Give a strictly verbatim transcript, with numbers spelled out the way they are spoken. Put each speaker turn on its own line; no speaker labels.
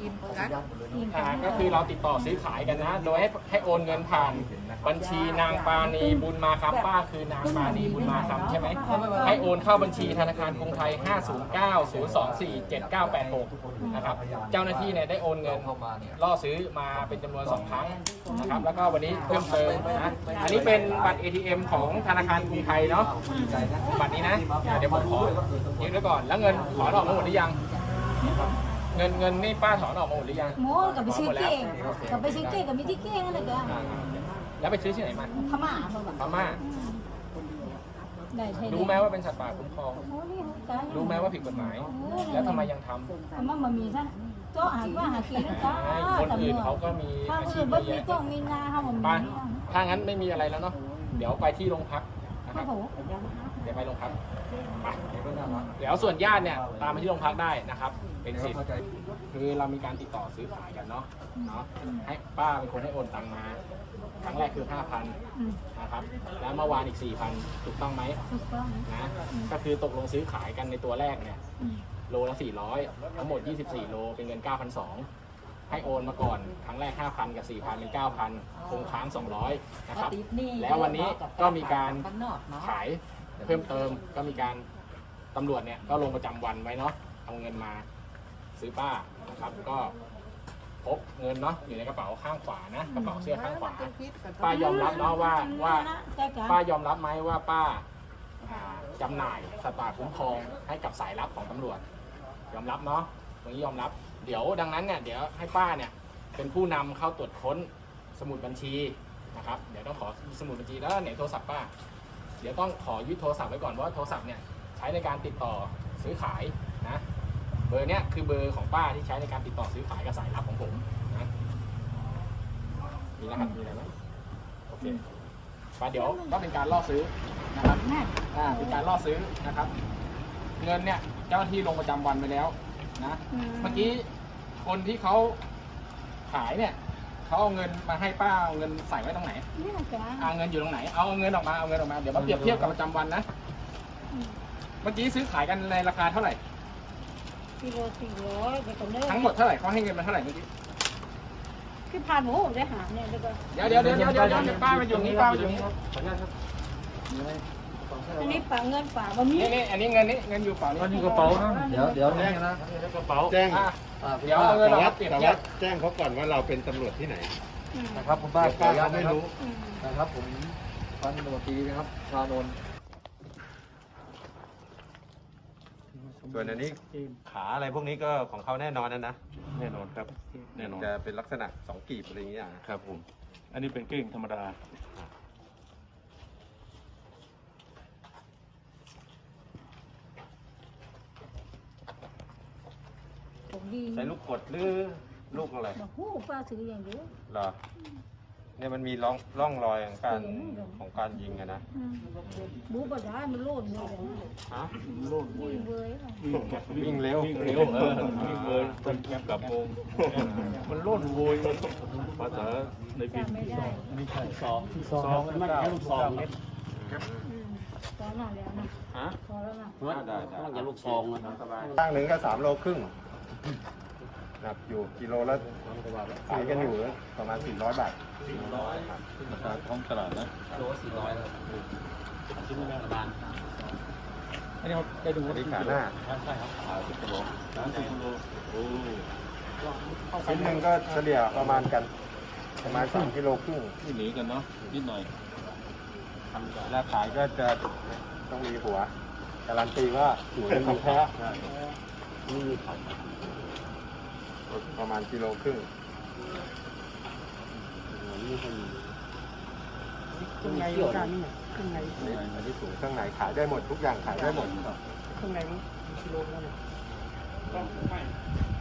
กินกัน
อ่าก็คือเราติดต่อซื้อขายกันนะ โดยให้ให้โอนเงินผ่านบัญชีนางปาณีบุญมาคำป้าคือนางปาณีบุญมาคำใช่ไหมให้โอนเข้าบัญชีธนาคารกรุงไทย ห้า ศูนย์ เก้า ศูนย์ สอง สี่ เจ็ด เก้า แปด หก นะครับเจ้าหน้าที่เนี่ยได้โอนเงินล่อซื้อมาเป็นจำนวนสองครั้งนะครับแล้วก็วันนี้เพิ่มเติมนะอันนี้เป็นบัตร เอ ที เอ็ม ของธนาคารกรุงไทยเนาะบัตรนี้นะเดี๋ยวผมขอยืนไว้ก่อนแล้วเงินถอนออกมาหมดหรือยังเงินเงินนี่ป้าถอนออกมาหมดหรือยัง
โม่กับไปซื้อเก่งกับไปซื้อเก่งกับมีที่เก่งอะไรกัน
แล้วไปซื้อที่ไหนมา
พม่าเขาแบบ
พม่า
ได้ใช่
รู้ไหมว่าเป็นสัตว์ป่าคุ้มครอง
โอ้นี่ตาย
รู้ไหมว่าผิดกฎหมาย แล้วทำไมยังทำ
พม่ามันมีซะเจ้าหาว่าหากินนะจ๊ะ
คนอื่นเขาก็มี
ถ้า
อาชี
อื่
พ
น
เย
ไม่
อะ
มีต้องมีนาเขามัน
ไป
มี
ถ้างั้นไม่มีอะไรแล้วเนาะเดี๋ยวไปที่โรงพักนะค
เขา
รับ
บอกว่า
เดี๋ยวไปโรงพักไปเดี๋ยวส่วนญาติเนี่ยตามไปที่โรงพักได้นะครับ เป็นสิทธิ์คือเรามีการติดต่อซื้อขายกันเนาะเนาะให้ป้าเป็นคนให้โอนตังมาครั้งแรกคือ ห้าพัน นะครับแล้วเมื่อวานอีก สี่พัน ถูกต้องไหม
ถูกต้อง
นะก็คือตกลงซื้อขายกันในตัวแรกเนี่ยโลละสี่ร้อยทั้งหมดยี่สิบสี่โลเป็นเงิน เก้าพันสองร้อย ให้โอนมาก่อนครั้งแรก ห้าพัน กับ สี่พัน เป็น เก้าพัน คงค้าง สองร้อย นะครับ แล้ววันนี้ก็มีการขายเพิ่มเติมก็มีการตำรวจเนี่ยก็ลงประจำวันไว้เนาะเอาเงินมาซื้อป้านะครับก็พบเงินเนาะอยู่ในกระเป๋าข้างขวานะกระเป๋าเสื้อข้างขวาป้ายอมรับเนาะว่าว่าป้ายอมรับไหมว่าป้าอ่าจำหน่ายสัตว์ป่าคุ้มครองให้กับสายลับของตำรวจยอมรับเนาะตรงนี้ยอมรับเดี๋ยวดังนั้นเนี่ยเดี๋ยวให้ป้าเนี่ยเป็นผู้นำเข้าตรวจค้นสมุดบัญชีนะครับเดี๋ยวต้องขอสมุดบัญชีแล้วไหนโทรศัพท์ป้าเดี๋ยวต้องขอยึดโทรศัพท์ไว้ก่อนเพราะว่าโทรศัพท์เนี่ยใช้ในการติดต่อซื้อขายนะเบอร์เนี้ยคือเบอร์ของป้าที่ใช้ในการติดต่อซื้อขายกับสายลับของผมนะมีรหัสมีอะไรไหมโอเคป้าเดี๋ยวก็เป็นการล่อซื้อนะครับอ่าเป็นการล่อซื้อนะครับเงินเนี่ยเจ้าหน้าที่ลงประจำวันไปแล้วนะเมื่อกี้คนที่เขาขายเนี่ยเขาเอาเงินมาให้ป้าเอาเงินใส่ไว้ตรงไหน
นี่นะจ๊ะ
เอาเงินอยู่ตรงไหนเอาเงินออกมาเอาเงินออกมาเดี๋ยวมาเปรียบเทียบกับประจำวันนะเมื่อกี้ซื้อขายกันในราคาเท่าไหร่
กิโลสี่ร้อยไปก่อนเด้อ
ทั้งหมดเท่าไหร่เขาให้เงินมาเท่าไหร่เมื่อกี้
คือผ่านหมูได้หาเนี่ยเดี๋ยวก็
เดี๋ยวเดี๋ยวเดี๋ยวเดี๋ยวเดี๋ยวเดี๋ยวป้าไปอยู่นี้ป้าไปอยู่นี้
อันนี้ฝากเงินฝากบะหมี่
นี่นี่อันนี้เงินนี่เงินอยู่เปล่านี่
มันอยู่กระเป๋านะเดี๋ยวเดี๋ยวนี่นะกระเป๋าแจ้ง
อ่ะเดี๋ยวเอาเงินออกมาเปรียบเทียบ
แจ้งเขาก่อนว่าเราเป็นตำรวจที่ไหน
อืม
นะครับคุณป้าป้าเขาไม่รู้
อืม
นะครับผมพันตำรวจตรีนะครับชานนท์ส่วนอันนี้ขาอะไรพวกนี้ก็ของเขาแน่นอนนะนะแน่นอนครับแน่นอนจะเป็นลักษณะสองกีบอะไรอย่างเงี้ยครับผมอันนี้เป็นเก้งธรรมดา
ผมดี
ใช้ลูกกดหรือลูกอะไร
โอ้โหป้าซื้ออย่างเดียว
เหรอเนี่ยมันมีร่องร่องรอยของการของการยิงอะนะ
อืมบูบดามันโลดเลย
ฮะ
โลดเลยเว้ย
วิ่งเร็ว
วิ่งเร็วเออวิ่งเลยต้นแคบกับวงมันโล่นโวยภาษาในปี
จำไม่ได้
ไม่ใช่สองสองมันแค่ลูกซองเล็ก
อืมตอนนั้นแล้วนะ
ฮะ
พอแล้วนะ
ได้ได้
ต้องอย่าลูกซองนะ
ตั้งหนึ่งก็สามโลครึ่งหนักอยู่กิโลละขายกันอยู่ประมาณสี่ร้อยบาท
ราคาท้องตลาดนะ
โลสี่ร้อยแล้ว
ชิ้นละประมาณ
อันนี้เขาได้ดู
อันนี้ขาหน้า
ใช่ครับขายสิบกิโลสามสิบกิโลโอ้
ชิ้นหนึ่งก็เฉลี่ยประมาณกัน ประมาณสามกิโลครึ่ง
ที่หนีกันเนาะนิดหน่อย
เวลาขายก็จะต้องมีหัว การันตีว่าหัวเป็นของแท้ประมาณกิโลครึ่ง
เครื่องในการนี่เครื่องใน
อันนี้ถุงเครื่องในขายได้หมดทุกอย่างขายได้หมด
เครื่องในมันกิโลแล้วเนี่ย